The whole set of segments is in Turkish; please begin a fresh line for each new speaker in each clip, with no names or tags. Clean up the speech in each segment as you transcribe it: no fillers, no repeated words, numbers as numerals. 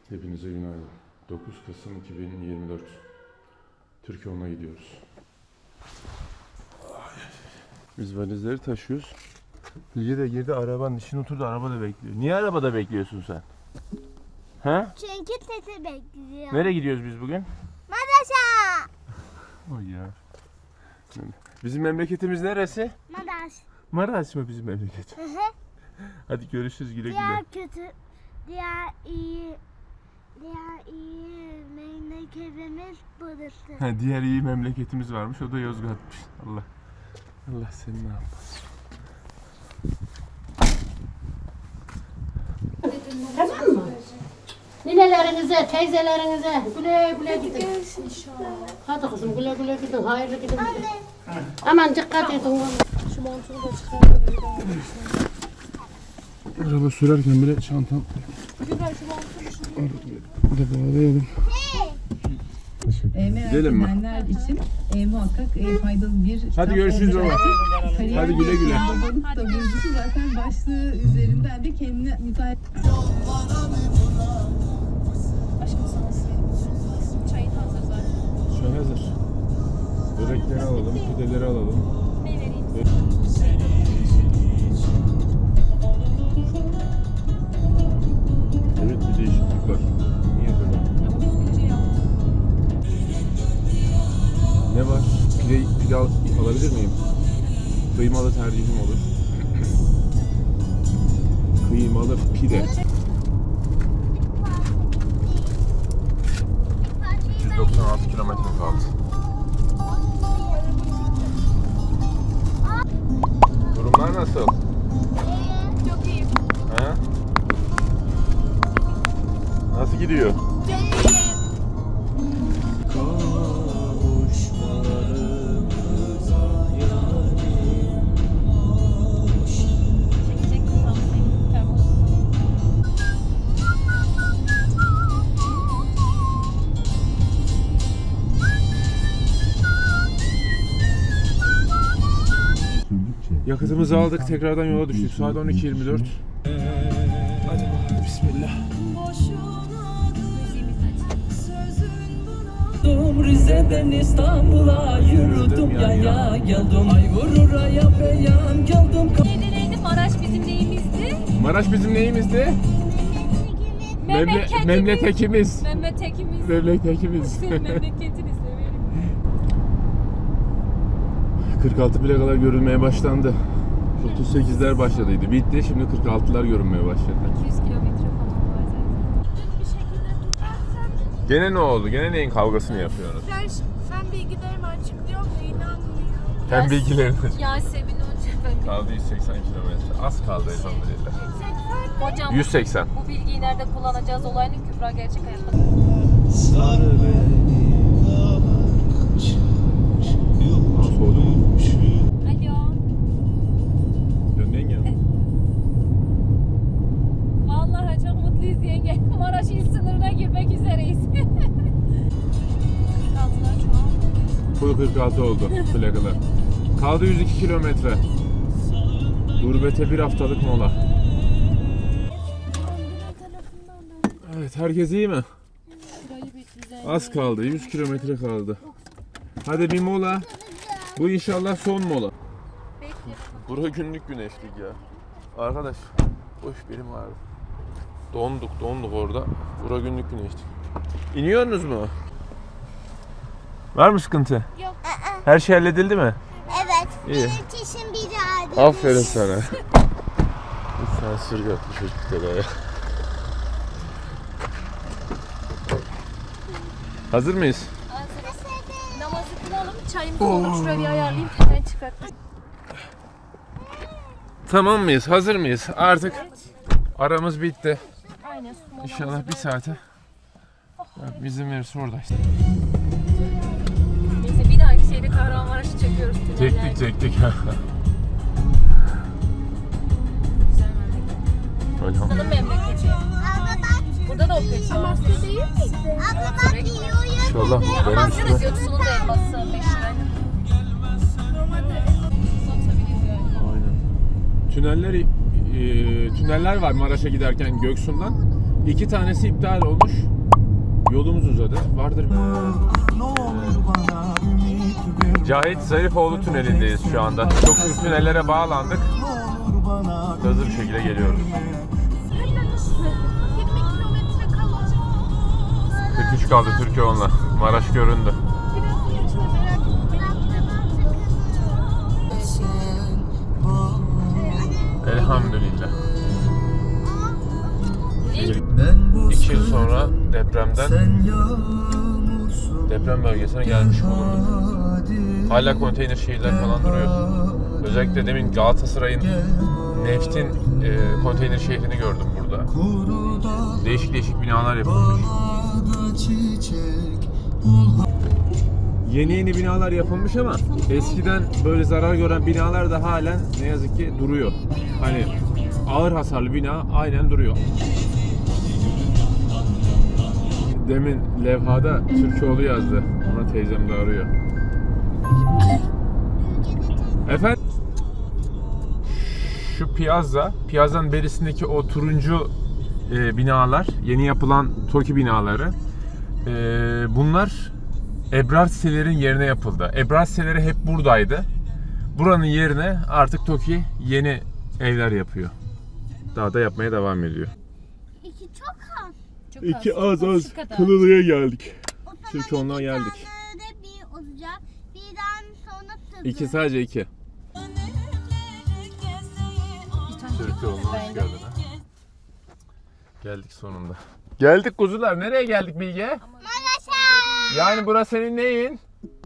Hepinize günaydın. 9 Kasım 2024. Türkiye'ye gidiyoruz. Biz valizleri taşıyoruz. Bilge de girdi arabanın içine oturdu, arabada bekliyor. Niye arabada bekliyorsun sen? He?
Çünkü tete bekliyor.
Nereye gidiyoruz biz bugün?
Madaş'a.
Oy ya. Bizim memleketimiz neresi?
Madaş.
Maraş mı bizim memleket?
Hı hı.
Hadi görüşürüz, güle
Diğer
güle.
kötü, diğer iyi memleketimiz burası.
Ha, diğer iyi memleketimiz varmış, o da Yozgat'mış. Allah seni ne yapmasın.
Tamam mı? Ninelerinize, teyzelerinize güle güle gidin. Hadi kızım güle güle gidin, hayırlı gidin. Aman dikkat edin. Şu montunu da çıkarın.
Araba sürerken bile çantam. Bir de bağlayalım.
Merak
Gidelim mi?
edenler için muhakkak faydalı bir kitap.
Hadi görüşürüz baba.
Kariyer
Hadi güle güle.
Babalık da burcusu zaten başlığı üzerinden de kendine müsait.
Aşkım sana söyleyeyim. Çayın hazır zaten.
Çay hazır. Börekleri alalım, pideleri alalım.
Ne vereyim?
Evet, bir değişiklik var. Niye böyle?
Ama düzgünce yaptım.
Ne var? Pide alabilir miyim? Kıymalı tercihim olur. Kıymalı pide. 196 kilometre kaldı. Durumlar nasıl?
Çok iyi.
Ha? Nasıl gidiyor?
Çok iyi. Çekecek kızım seni. Termos.
Yakıtımızı aldık, tekrardan yola düştük. Saat 12:24. Hadi bakalım, bismillah.
Rize'den İstanbul'a yürüdüm yaya geldim. Ay vurur aya beyan geldim.
Neydi? Maraş bizim neyimizdi?
Maraş bizim neyimizdi? Memleketimiz.
Memleketimiz.
Memleketimiz.
Memleketini severim.
46 plakalar görülmeye başlandı. 38'ler başladıydı. Bitti. Şimdi 46'lar görünmeye başladı.
200 kilometre falan var zaten. Bir şekilde tutarsan
Gene ne oldu? Gene neyin kavgasını yapıyorsunuz?
Sen bilgilerimi açıklıyor mu? İnanmıyor.
Hem bilgilerini.
Yasemin Hoca ben.
Kaldı 180 kilometre. Az kaldı elhamdülillah.
Hocam
180.
bu bilgiyi nerede kullanacağız olayını Kübra gerçek hayatta.
Aa, soğudu mu?
Alo.
Döndün ya.
Vallahi çok mutluyuz yenge. Maraş il sınırına girmek üzereyiz. 46'lar çoğaldı.
Full 46 oldu plakalar. Kaldı 102 kilometre. Gurbete bir haftalık mola. Evet, herkes iyi mi? Az kaldı, 100 kilometre kaldı. Hadi bir mola. Bu inşallah son mola. Bura günlük güneşlik ya. Arkadaş, boş benim vardı. Donduk orada. Bura günlük güneşlik. İniyorsunuz mu? Var mı sıkıntı?
Yok.
Her şey halledildi mi?
Evet.
İyi.
Benim çişim bir adet.
Aferin sana. Sen sür yaptı çocuklara ya. Hazır mıyız?
Namazı kılalım, çayımızı olur şuraya bir ayarlayayım, hemen çıkartayım.
Tamam mıyız? Hazır mıyız? Artık aramız bitti.
Aynen.
İnşallah bir saate. Bizim verirse orada işte.
Neyse bir dahaki şeyde Kahramanmaraş'ı çekiyoruz.
Çektik.
Güzel memleket.
Elhamdülillah.
Buranın memleketi.
Abla bak.
Burada da o peki var.
Abla bak yiyor.
İnşallah benim
Amasya'da
üstüme.
Göksu'nun da elması meşhur. Aynen. Satabiliriz yani.
Aynen. Tüneller var Maraş'a giderken Göksu'ndan. 2 tanesi iptal olmuş. Yolumuz uzadı. Vardır. Cahit Zarifoğlu tünelindeyiz şu anda. Çok büyük tünellere bağlandık. Hızlı bir şekilde geliyoruz. 43 kaldı Türkiye onunla. Maraş göründü. Elhamdülillah. 2 yıl sonra deprem bölgesine gelmiş bulunduk. Hala konteyner şehirler falan duruyor. Özellikle demin Galatasaray'ın Neft'in konteyner şehrini gördüm burada. Değişik değişik binalar yapılmış. Yeni binalar yapılmış ama eskiden böyle zarar gören binalar da halen ne yazık ki duruyor. Hani ağır hasarlı bina aynen duruyor. Demin levhada Türkoğlu yazdı. Ona teyzem de arıyor. Efendim? Şu piyazzanın berisindeki o turuncu binalar, yeni yapılan TOKİ binaları. Bunlar Ebrar sitelerin yerine yapıldı. Ebrar siteleri hep buradaydı. Buranın yerine artık TOKİ yeni evler yapıyor. Daha da yapmaya devam ediyor.
İki çok az.
İki az. Kılılı'ya geldik. Türkoğlu'na geldik.
Tane bir olacak. Birden sonra tızı.
İki, sadece 2. Türkoğlu'na hoş geldin ha. Geldik sonunda. Geldik kuzular. Nereye geldik Bilge?
Maraş'a.
Yani burası senin neyin?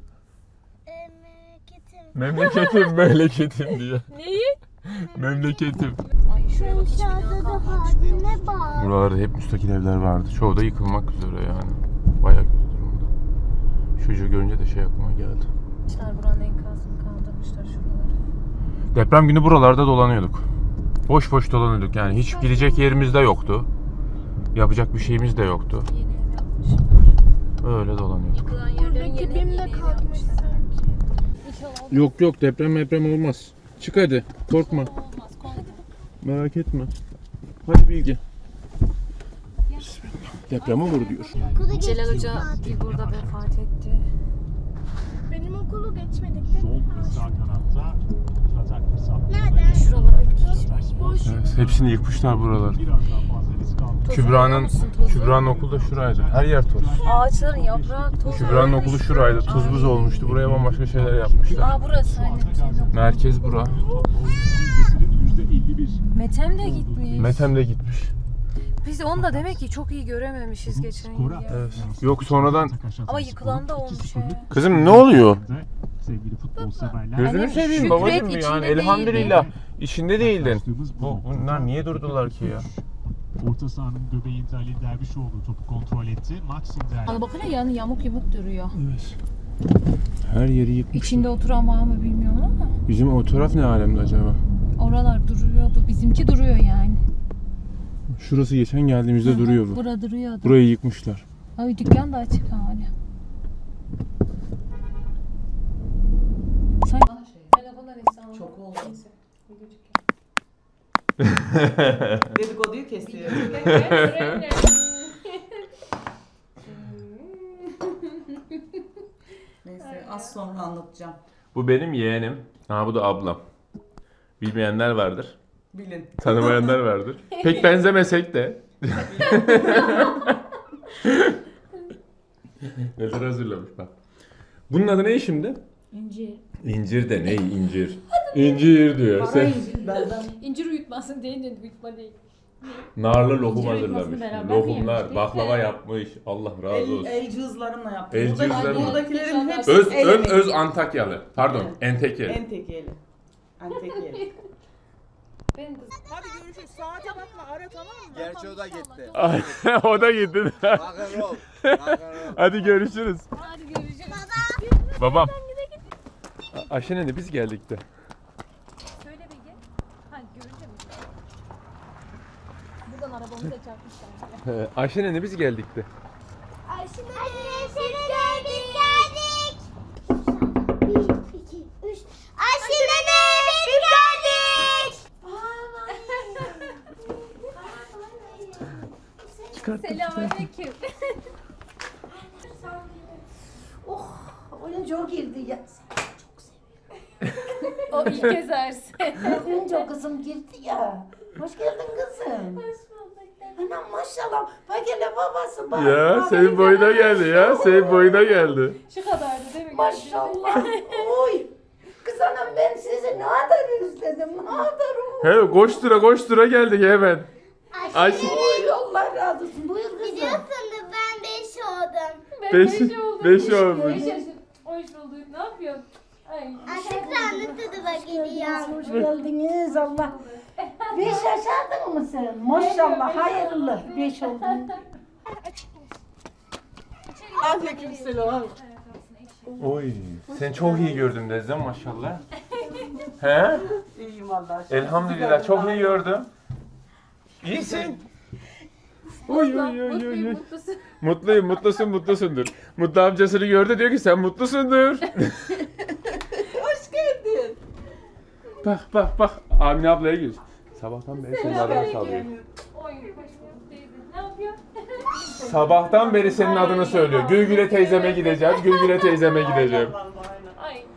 Memleketim.
Memleketim diyor.
Neyi?
Memleketim.
Ay şuraya bak, hiç
Dışarıda
bina
da
kalmamış bu yol.
haline bak.
Buralarda hep müstakil evler vardı. Çoğu da yıkılmak üzere yani. Bayağı kötü durumda. Çocuğu görünce de şey aklıma geldi.
Buranın enkazını kaldırmışlar şuraları.
Deprem günü buralarda dolanıyorduk. Boş dolanıyorduk yani. Hiç gidecek yerimiz de yoktu. Yapacak bir şeyimiz de yoktu.
Yeni ev yapmışlar.
Öyle dolanıyorduk.
Yıkılan yerlerin
Buradaki
yeni
BİM de
ev
kalkmış
yapmışlar. İnşallah
Yok deprem olmaz. Çık hadi. Korkma.
olmaz. Korkma.
Merak etme. Hadi Bilgi. Bismillah. Deprem olur diyor.
Okulu
Celal
geçtik
Hoca
zaten.
bir burada vefat etti.
Benim okulu geçmedik değil mi?
Sağ kanatta atak hesapları
Nerede?
Şuralar hep geçmiş.
Boş.
Evet, hepsini yıkmışlar buralar.
biraz daha fazla risk almak.
Kübra'nın okulu da şuraydı. Her yer toz.
Ağaçların yaprağı toz.
Kübra'nın okulu şuraydı. Tuz buz olmuştu. Buraya bambaşka şeyler yapmışlar.
Aa burası aynen.
Merkez bura.
%51.
Metem de gitmiş.
Metem de gitmiş.
Biz onu da demek ki çok iyi görememişiz geçen yıl ya.
Evet. Yok sonradan.
Ama yıkılan da olmuş he.
Kızım ne oluyor?
Sevgili futbol severler.
Gözünü
Annem,
seveyim
Şükret
babacığım
içinde
yani
değildi.
elhamdülillah. İçinde değildin.
Başladığımız bu
Bunlar niye durdular ki ya?
Orta sahanın göbeğinde Ali Dervişoğlu topu kontrol etti. Maxim
Ana bakın yani yamuk yumuk duruyor.
Evet. Her yeri yıkmış.
İçinde oturan var mı bilmiyorum ama.
Bizim o taraf ne alemde acaba?
Oralar duruyordu. Bizimki duruyor yani.
Şurası geçen geldiğimizde duruyor bu.
Bura duruyordu.
Burayı yıkmışlar.
Ay dükkan da açık hala.
Çok oldu. Dedikoduyu kesiyor. Neyse az sonra anlatacağım.
Bu benim yeğenim. Ha bu da ablam. Bilmeyenler vardır.
Bilin.
Tanımayanlar vardır. Pek benzemesek de. Neler hazırlamış bak. Bunun adı ne şimdi?
İncir.
İncir de ne incir? İncir diyor. Sen
İncir uyutmasın deyince uyutma değil.
narlı lokum
İncir
hazırlamış.
uyutmasını beraber
Lokumlar,
yemiştik
baklava
de.
yapmış. Allah razı olsun.
El cihazlarımla yaptım.
El cihazlarımla.
Buradakilerin hepsi
Öz
el
ön
emeği.
öz Antakyalı. Pardon,
Evet.
Entekeli.
En tekeli. En tekeli.
Benim kızım.
Hadi görüşürüz. Saate bakma ara tamam mı?
Gerçi o da gitti.
O da gitti.
Rock'n'roll. Rock'n'roll.
Hadi görüşürüz.
Hadi görüşürüz.
Babam. Ayşe'ne biz geldik de.
Söyle Bilge. Ha görünce mi? Buradan arabamızı da çarpmışlar.
Ayşe'ne biz geldik de.
Ayşe geldik geldik. 1, 2, 3. Ayşe nene biz geldik.
çıkarttım.
Selamünaleyküm.
Oyuncu girdi ya.
O ilk ezersin.
Oyuncu kızım girdi ya. Hoş geldin kızım. Anam maşallah. Bak hele babası bak.
Ya
Bak
senin
hele
boyuna
babası.
geldi ya. Senin boyuna geldi.
Şu kadardı değil mi?
Maşallah. Oy. Kız anam ben sizi ne kadar özledim. Ne kadar
He koştura geldik hemen. Ay
Oy Allah razı olsun. Buyur kızım.
Biliyorsun da ben 5 oldum.
Ben
Beş-
5 oldum.
beş olmuş.
5 yaşım. Hoş bulduk. Ne yapıyorsun? Ay.
Şükranlı tadına geliyor.
Hoş geldiniz Allah. 5 yaşardın mı sen? Maşallah hayırlı. 5 oldun.
Aleykümselam.
Oy sen çok iyi gördüm Dezzem maşallah. He?
İyiyim Allah.
Elhamdülillah çok iyi gördüm. İyisin. Oy oy oy oy. oy.
Mutlusun.
Mutluyum, mutlusundur. Mutlu amcasını gördü diyor ki sen mutlusundur.
Hoş geldin.
bak. Amine ablaya gir. Sabahtan beri senin adını çalıyor.
Oy hoş bulduk teyze. Ne yapıyor?
Sabahtan beri senin adını söylüyor. Gülgüle teyzeme gideceğim, Gülgüle teyzeme gideceğim.
Ay. Ay.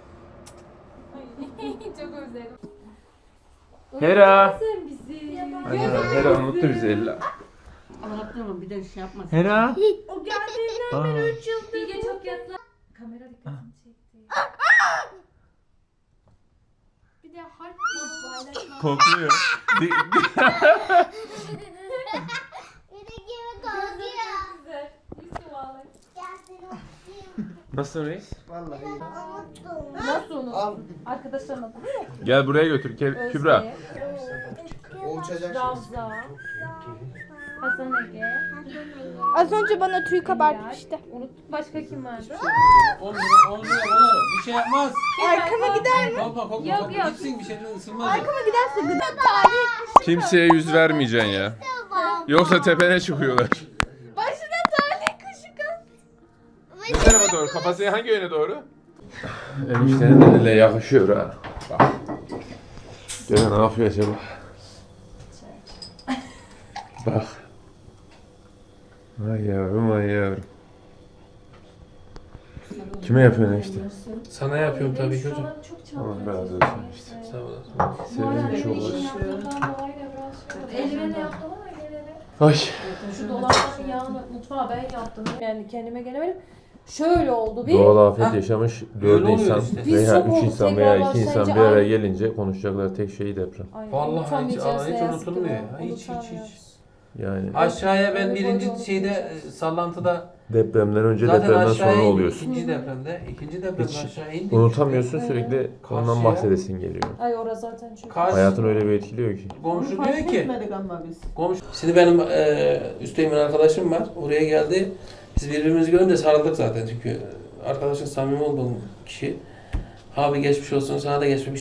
Çok özledim.
Hera.
Sen bizi.
Hera unuttu bizi illa.
Anlattım bir de şey yapmasın.
Hera.
O geldiğinden beri 3 yıldır. Bilge çok yatla. Kamera dikkatini çekti. Bir de harp paylaşma.
Kokluyor.
Bir de gibi korkuyor.
Güzel. Yusuf ağlar.
Nasılsın reis?
Vallahi iyi.
Nasıl onu? Arkadaşlarına da
Gel buraya götür Kübra.
O uçacak şimdi.
Ravza. Hasan Ege.
Az önce bana tüy kabartmıştı.
Unuttuk. Başka kim vardı?
Onu bir şey yapmaz.
Arkama gider mi?
Korkma korkma
Yok,
korkma
yok.
gitsin bir şeyden ısınmaz.
Arkama giderse gıda tarihi.
Kimseye yüz vermeyeceksin ya. Yoksa tepene çıkıyorlar.
Başına tarihi kuşu kız.
Ne tarafa doğru? Kafası hangi yöne doğru? Eniştenin eline yakışıyor ha. Bak. Gene ne yapıyor acaba? Bak. Ay yavrum ay yavrum. Kime yapıyorsun işte?
Sana yapıyorum tabii ki hocam.
Allah razı olsun işte.
Sağ olasın.
Sevim çok hoş.
Eldiveni yaptım ama gelene.
Ay.
Şu dolapların yağını mutfağa ben yaptım. Yani kendime gelemedim. Şöyle oldu bir.
Doğal afet yaşamış 4
Öyle oluyor
insan
işte.
Biz
veya
çok
3
olduk,
insan
tekrar
veya 2 insan bir
başlayınca
araya
ay-
gelince konuşacakları tek şey deprem.
Ay,
Vallahi hiç,
unutamayacağız
hiç
ne yazık ki
unutulmuyor.
bunu.
Hiç.
Unutamıyoruz.
Yani
Aşağıya ben
Öyle
birinci
koydum,
şeyde
unutmayacağız.
sallantıda
depremden önce
zaten
depremden
aşağıya
sonra
indik.
oluyorsun.
İkinci depremde, ikinci depremde
Hiç
aşağı indik.
unutamıyorsun
Evet.
sürekli ondan
Karşıya-
bahsedesin geliyor.
Ay orası zaten çok.
Karşı-
Hayatını öyle bir etkiliyor ki.
Komşu
Fark
diyor ki,
etmedik ama biz.
komşu. Şimdi benim üsteğimin arkadaşım var. Oraya geldi. Biz birbirimizi görünce sarıldık zaten çünkü arkadaşın samimi olduğum kişi. Abi geçmiş olsun, sana da geçmiş